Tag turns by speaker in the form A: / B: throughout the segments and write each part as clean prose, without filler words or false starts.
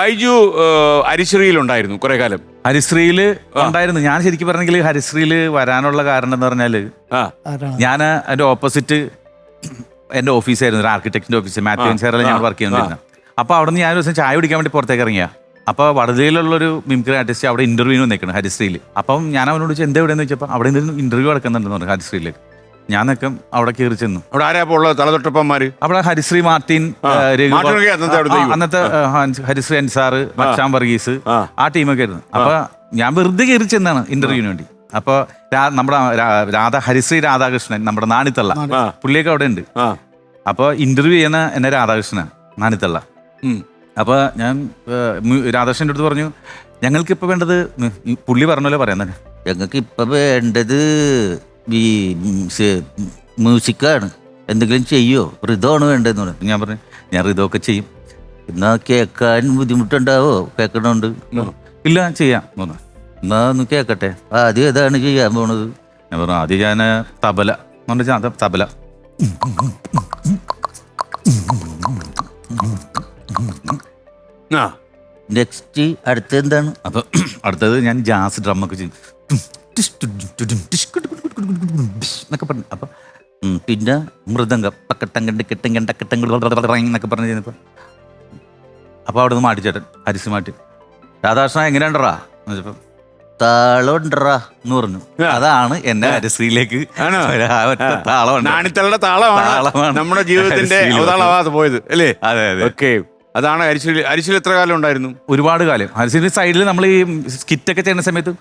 A: ബൈജു ഹരിശ്രീയിലുണ്ടായിരുന്നു കുറെ കാലം.
B: ഹരിശ്രീയില് ഉണ്ടായിരുന്നു. ഞാൻ ശരിക്കും പറഞ്ഞെങ്കിൽ ഹരിശ്രീയില് വരാനുള്ള കാരണം എന്ന് പറഞ്ഞാല് ഞാൻ അതിന്റെ ഓപ്പോസിറ്റ് എന്റെ ഓഫീസായിരുന്നു, ഒരു ആർക്കിടെക്ടിന്റെ ഓഫീസ്, മാത്യു സാറിൽ ഞാൻ വർക്ക് ചെയ്യുന്നിരുന്നത്. അപ്പൊ അവിടെ നിന്ന് ഞാൻ ഒരു ദിവസം ചായ കുടിക്കാൻ വേണ്ടി പുറത്തേക്ക് ഇറങ്ങിയ. അപ്പൊ വടതയിലുള്ളൊരു മിമിക്രി ആർട്ടിസ്റ്റ് അവിടെ ഇന്റർവ്യൂവിന് നിൽക്കണം ഹരിശ്രീയിൽ. അപ്പം ഞാൻ അവനോട് ചോദിച്ചു എന്താ എവിടെയെന്ന് വെച്ചപ്പോൾ അവിടെ നിന്ന് ഇന്റർവ്യൂ നടക്കുന്നുണ്ടെന്ന് പറഞ്ഞു ഹരിശ്രീയിലേക്ക്. ഞാൻ നിൽക്കും അവിടെ കയറി ചെന്നു.
A: അവിടെ ആരാ ഉള്ളത്? തലതൊട്ടപ്പന്മാര്
B: അവിടെ ഹരിശ്രീ മാർട്ടിൻ, അന്നത്തെ ഹരിശ്രീ അൻസാർ, മച്ചാൻ വർഗീസ്, ആ ടീമൊക്കെ ആയിരുന്നു. അപ്പൊ ഞാൻ വെറുതെ കയറി ചെന്നാണ് ഇന്റർവ്യൂവിന് വേണ്ടി. അപ്പൊ നമ്മുടെ ഹരിശ്രീ രാധാകൃഷ്ണൻ, നമ്മുടെ നാണിത്തള്ള, പുള്ളിയൊക്കെ അവിടെ ഉണ്ട്. അപ്പൊ ഇന്റർവ്യൂ ചെയ്യുന്ന എന്നെ രാധാകൃഷ്ണനാണ്, നാണിത്തള്ള. അപ്പൊ ഞാൻ രാധാകൃഷ്ണൻ്റെ അടുത്ത് പറഞ്ഞു ഞങ്ങൾക്കിപ്പോൾ വേണ്ടത്, പുള്ളി പറഞ്ഞല്ലോ പറയുന്നത്, ഞങ്ങൾക്ക് ഇപ്പൊ വേണ്ടത് ഈ മ്യൂസിക്കാണ്, എന്തെങ്കിലും ചെയ്യോ, ഋതമാണ് വേണ്ടതെന്ന് പറഞ്ഞു. ഞാൻ പറഞ്ഞു ഞാൻ ഋതമൊക്കെ ചെയ്യും, എന്നാ കേൾക്കാൻ ബുദ്ധിമുട്ടുണ്ടാവോ? കേൾക്കണുണ്ട്. ഇല്ല ചെയ്യാം പറഞ്ഞു. എന്നാ ഒന്ന് കേൾക്കട്ടെ, ആദ്യം ഏതാണ് ചെയ്യാൻ പോണത്? ഞാൻ പറഞ്ഞു ആദ്യം ഞാൻ തബല എന്ന് പറഞ്ഞാൽ തബല. നെക്സ്റ്റ് അടുത്തത് എന്താണ്? അപ്പൊ അടുത്തത് ഞാൻ ജാസ് ഡ്രമ്മൊക്കെ ചെയ്യും എന്നൊക്കെ പറഞ്ഞു. അപ്പൊ പിന്നെ മൃദംഗം എന്നൊക്കെ പറഞ്ഞു ചെയ്യുന്നപ്പോ അപ്പൊ അവിടെ നിന്ന് മാറ്റിച്ചേട്ടൻ ഹരിസ് മാറ്റി, രാധാകൃഷ്ണ എങ്ങനെയുണ്ടറാ എന്ന് വെച്ചപ്പോ താളമുണ്ടറാ എന്ന് പറഞ്ഞു. അതാണ് എന്നെ ഹരിശ്രീയിലേക്ക്
A: താളമാണ് നമ്മുടെ ജീവിതത്തിന്റെ പോയത് അല്ലേ?
B: അതെ അതെ.
A: ഓക്കെ, അതാണ് ഹരിശ്രീ. ഹരിശ്രീ എത്ര കാലം ഉണ്ടായിരുന്നു?
B: ഒരുപാട് കാലം. ഹരിശ്രീ സൈഡിൽ നമ്മൾ ഈ സ്കിറ്റൊക്കെ ചെയ്യുന്ന സമയത്ത്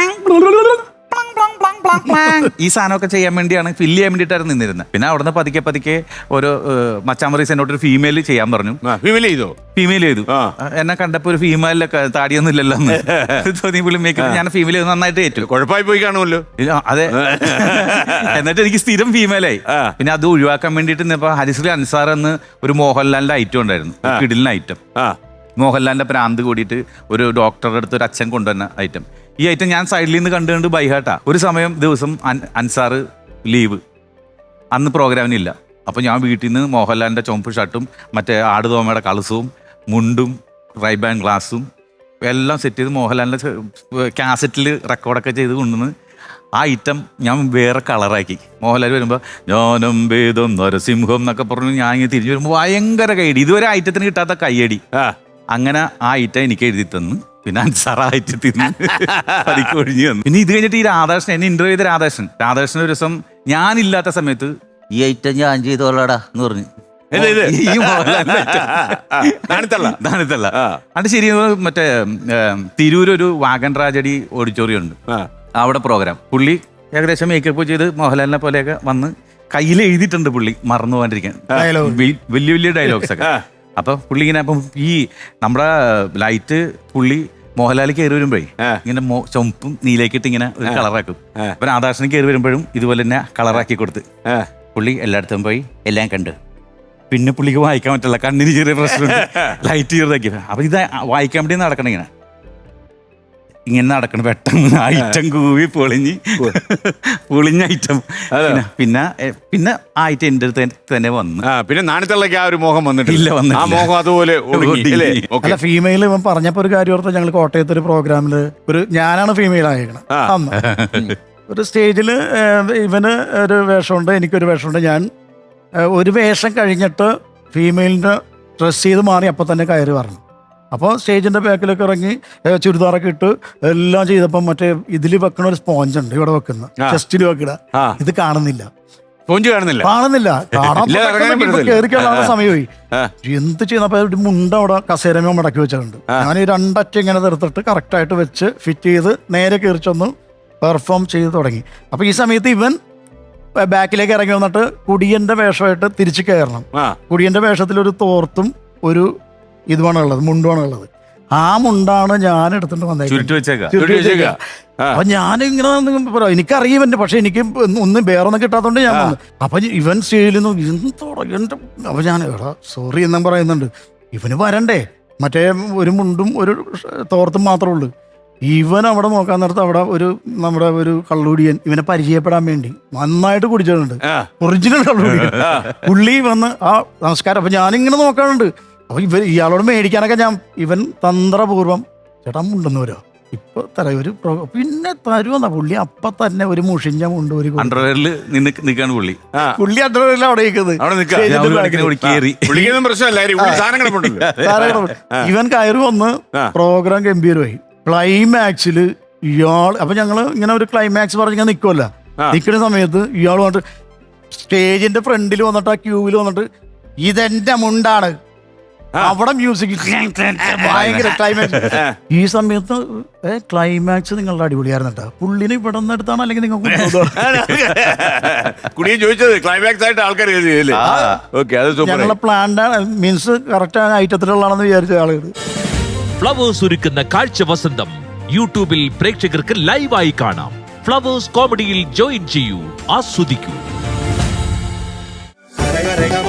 B: ഈ സാധനമൊക്കെ ചെയ്യാൻ വേണ്ടിയാണ്, ഫില്ല് ചെയ്യാൻ വേണ്ടിയിട്ടായിരുന്നു നിന്നിരുന്നത്. പിന്നെ അവിടുന്ന് പതുക്കെ പതുക്കെ ഒരു മച്ചാമറീസ് എന്നോടൊരു ഫീമെയിൽ ചെയ്യാൻ പറഞ്ഞു. ഫീമെയിൽ ചെയ്തു. എന്നെ കണ്ടപ്പോ ഒരു ഫീമെയിലൊക്കെ താടിയൊന്നും ഇല്ലല്ലോ തോന്നി. പുള്ളി മേക്കപ്പ് ഞാൻ ഫീമെയിൽ നന്നായിട്ട് ഏറ്റു.
A: കുഴപ്പമായി പോയി കാണുമല്ലോ.
B: അതെ. എന്നിട്ട് എനിക്ക് സ്ഥിരം ഫീമെയിലായി. പിന്നെ അത് ഒഴിവാക്കാൻ വേണ്ടിയിട്ട് ഇപ്പൊ ഹരിശ്രീ അൻസാർ എന്ന് ഒരു മോഹൻലാലിന്റെ ഐറ്റം ഉണ്ടായിരുന്നു, കിടിലിന് ഐറ്റം. മോഹൻലാലിന്റെ പ്രാന്ത് കൂടിയിട്ട് ഒരു ഡോക്ടറുടെ അടുത്ത് ഒരു അച്ഛൻ കൊണ്ടുവന്ന ഐറ്റം. ഈ ഐറ്റം ഞാൻ സൈഡിൽ നിന്ന് കണ്ടുകൊണ്ട് ബൈഹാട്ടാ. ഒരു സമയം ദിവസം അൻസാറ് ലീവ്, അന്ന് പ്രോഗ്രാമിനില്ല. അപ്പോൾ ഞാൻ വീട്ടിൽ നിന്ന് മോഹൻലാലിൻ്റെ ചുവപ്പ് ഷർട്ടും മറ്റേ ആടുതോമയുടെ കളസവും മുണ്ടും റൈബാൻ ഗ്ലാസും എല്ലാം സെറ്റ് ചെയ്ത് മോഹൻലാലിൻ്റെ കാസറ്റിൽ റെക്കോർഡൊക്കെ ചെയ്ത് കൊണ്ടുവന്ന് ആ ഐറ്റം ഞാൻ വേറെ കളറാക്കി. മോഹൻലാൽ വരുമ്പോൾ ഞാനും വേദം നരസിംഹം എന്നൊക്കെ പറഞ്ഞു ഞാൻ ഇങ്ങനെ തിരിഞ്ഞു വരുമ്പോൾ ഭയങ്കര കൈയടി, ഇതുവരെ ഐറ്റത്തിന് കിട്ടാത്ത കൈയടി. അങ്ങനെ ആ ഐറ്റം എനിക്ക് എഴുതി തന്നു. പിന്നെ അൻസാറായിട്ട് തിന്ന് പതിക്ക് ഒഴിഞ്ഞു വന്നു. പിന്നെ ഇത് കഴിഞ്ഞിട്ട് ഈ രാധാകൃഷ്ണൻ എന്നെ ഇന്റർവ്യൂ ചെയ്ത രാധാകൃഷ്ണൻ ഒരു ദിവസം ഞാനില്ലാത്ത സമയത്ത് ഈ ഐറ്റം ഞാൻ ചെയ്തോളാടാ എന്ന് പറഞ്ഞു. അത് ശരി. മറ്റേ തിരൂരൊരു വാഗൻ ട്രാജഡി ഓഡിറ്റോറിയം ഉണ്ട്, അവിടെ പ്രോഗ്രാം. പുള്ളി ഏകദേശം മേക്കപ്പ് ചെയ്ത് മോഹൻലാലിനെ പോലെയൊക്കെ വന്ന് കയ്യിൽ എഴുതിയിട്ടുണ്ട്. പുള്ളി മറന്നു പോകാണ്ടിരിക്കാൻ വലിയ വലിയ ഡയലോഗ്സ് ഒക്കെ. അപ്പൊ പുള്ളി ഇങ്ങനെ, അപ്പം ഈ നമ്മുടെ ലൈറ്റ് പുള്ളി മോഹൻലാൽ കയറി വരുമ്പോഴേ ഇങ്ങനെ ചുമപ്പും നീലേക്കിട്ട് ഇങ്ങനെ ഒരു കളറാക്കും. അപ്പൊ രാധാകൃഷ്ണൻ കയറി വരുമ്പോഴും ഇതുപോലെ തന്നെ കളറാക്കി കൊടുത്ത് പുള്ളി എല്ലായിടത്തും പോയി എല്ലാം കണ്ട്. പിന്നെ പുള്ളിക്ക് വായിക്കാൻ പറ്റില്ല, കണ്ണിന് ചെറിയ പ്രശ്നമുണ്ട്, ലൈറ്റ് ചെറുതാക്കി. അപ്പൊ ഇത് വായിക്കാൻ വേണ്ടി നടക്കണം, ഇങ്ങനെ നടക്കണം. പെട്ടെന്ന് ഐറ്റം കൂവി പൊളിഞ്ഞ ഐറ്റം. പിന്നെ ആ ഐറ്റം എന്റെ അടുത്ത് തന്നെ വന്നു.
A: പിന്നെ നാണിത്തള്ളക്ക് ആ ഒരു മോഹം വന്നിട്ടില്ല. ആ മോഹം അതുപോലെ
C: അല്ല, ഫീമെയിൽ ഇവൻ പറഞ്ഞപ്പോ ഒരു കാര്യം ഓർത്ത്, ഞങ്ങൾ കോട്ടയത്ത് ഒരു പ്രോഗ്രാമില് ഞാനാണ് ഫീമെയിൽ ആയിരിക്കണം. അന്ന് ഒരു സ്റ്റേജിൽ ഇവന് ഒരു വേഷമുണ്ട്, എനിക്കൊരു വേഷമുണ്ട്. ഞാൻ ഒരു വേഷം കഴിഞ്ഞിട്ട് ഫീമെയിലിന്റെ ഡ്രസ് ചെയ്ത് മാറി അപ്പൊ തന്നെ കയറി പറഞ്ഞു. അപ്പോൾ സ്റ്റേജിന്റെ ബാക്കിലൊക്കെ ഇറങ്ങി ചുരിദാറൊക്കെ ഇട്ട് എല്ലാം ചെയ്തപ്പം മറ്റേ ഇതിൽ വെക്കണ ഒരു സ്പോഞ്ച് ഉണ്ട്, ഇവിടെ വെക്കുന്ന ചെസ്റ്റിൽ വെക്കണ, ഇത് കാണുന്നില്ല. കേറിക്കാനുള്ള സമയമായി. എന്ത് ചെയ്യുന്നപ്പോ മുണ്ട അവിടെ കസേരമോ മടക്കി വെച്ചിട്ടുണ്ട്. ഞാൻ ഈ രണ്ടറ്റം ഇങ്ങനെ തീർത്തിട്ട് കറക്റ്റായിട്ട് വെച്ച് ഫിറ്റ് ചെയ്ത് നേരെ കയറിച്ചൊന്ന് പെർഫോം ചെയ്ത് തുടങ്ങി. അപ്പൊ ഈ സമയത്ത് ഇവൻ ബാക്കിലേക്ക് ഇറങ്ങി വന്നിട്ട് കുടിയന്റെ വേഷമായിട്ട് തിരിച്ചു കയറണം. കുടിയന്റെ വേഷത്തിലൊരു തോർത്തും ഒരു ഇതുമാണുള്ളത്, മുണ്ടുമാണുള്ളത്. ആ മുണ്ടാണ് ഞാൻ എടുത്തിട്ട് വന്നേക്കുന്നത്. അപ്പൊ ഞാനിങ്ങനെ പറയാം, എനിക്കറിയാം ഇവന്റെ, പക്ഷെ എനിക്ക് ഒന്നും വേറൊന്നും കിട്ടാത്തോണ്ട് ഞാൻ വന്നു. അപ്പൊ ഇവൻ സ്റ്റേജിൽ നിന്ന് അപ്പൊ ഞാൻ എടാ സോറി എന്നും പറയുന്നുണ്ട്. ഇവന് വരണ്ടേ, മറ്റേ ഒരു മുണ്ടും ഒരു തോർത്തും മാത്രമേ ഉള്ളൂ. ഇവൻ അവിടെ നോക്കാൻ നേരത്ത് അവിടെ നമ്മുടെ ഒരു കള്ളുടിയൻ ഇവനെ പരിചയപ്പെടാൻ വേണ്ടി നന്നായിട്ട് കുടിച്ചിട്ടുണ്ട്, ഒറിജിനൽ കള്ളുടിയൻ. പുള്ളി വന്ന് ആ നമസ്കാരം. അപ്പൊ ഞാനിങ്ങനെ നോക്കാറുണ്ട്, അപ്പൊ ഇയാളോട് മേടിക്കാനൊക്കെ ഇവൻ തന്ത്രപൂർവ്വം ചേട്ടാ മുണ്ടെന്ന് വരോ ഇപ്പൊ തരൊരു പിന്നെ തരുമെന്നാ പുള്ളി അപ്പൊ തന്നെ ഒരു മുഷിഞ്ഞ മുണ്ട് ഒരു
B: അണ്ടർവെയറിൽ നിൽക്കാണ് പുള്ളി.
C: പുള്ളി അണ്ടർവെയറിൽ അവിടെ ഇവൻ കയറി വന്ന് പ്രോഗ്രാം ഗംഭീരമായി. ക്ലൈമാക്സിൽ ഇയാൾ അപ്പൊ ഞങ്ങള് ഇങ്ങനെ ഒരു ക്ലൈമാക്സ് പറഞ്ഞിങ്ങനെ നിൽക്കുമല്ല, നിൽക്കുന്ന സമയത്ത് ഇയാൾ വന്നിട്ട് സ്റ്റേജിന്റെ ഫ്രണ്ടിൽ വന്നിട്ട് ആ ക്യൂവിൽ വന്നിട്ട് ഇതെന്റെ മുണ്ടാണ്, അവിടെ മ്യൂസിക് ഭയങ്കര ക്ലൈമാക്സ്. ഈ സമയത്ത് ക്ലൈമാക്സ് നിങ്ങളുടെ അടിപൊളിയായിരുന്നു കേട്ടോ. പുള്ളിനെ ഇവിടെ നിന്ന് എടുത്താണ് അല്ലെങ്കിൽ നിങ്ങൾക്ക്
A: ചോദിച്ചത് ക്ലൈമാക്സ് ആയിട്ട് ആൾക്കാർ
C: ഞങ്ങളെ പ്ലാൻഡ് മീൻസ് കറക്റ്റ് ഐറ്റത്തിലുള്ളതാണെന്ന് വിചാരിച്ച ആളുകൾ.
D: ഫ്ലവേഴ്സ് ഒരുക്കുന്ന കാഴ്ച വസന്തം യൂട്യൂബിൽ പ്രേക്ഷകർക്ക് ലൈവായി കാണാം. ഫ്ലവേഴ്സ് കോമഡിയിൽ ജോയിൻ ചെയ്യൂ, ആസ്വദിക്കൂ.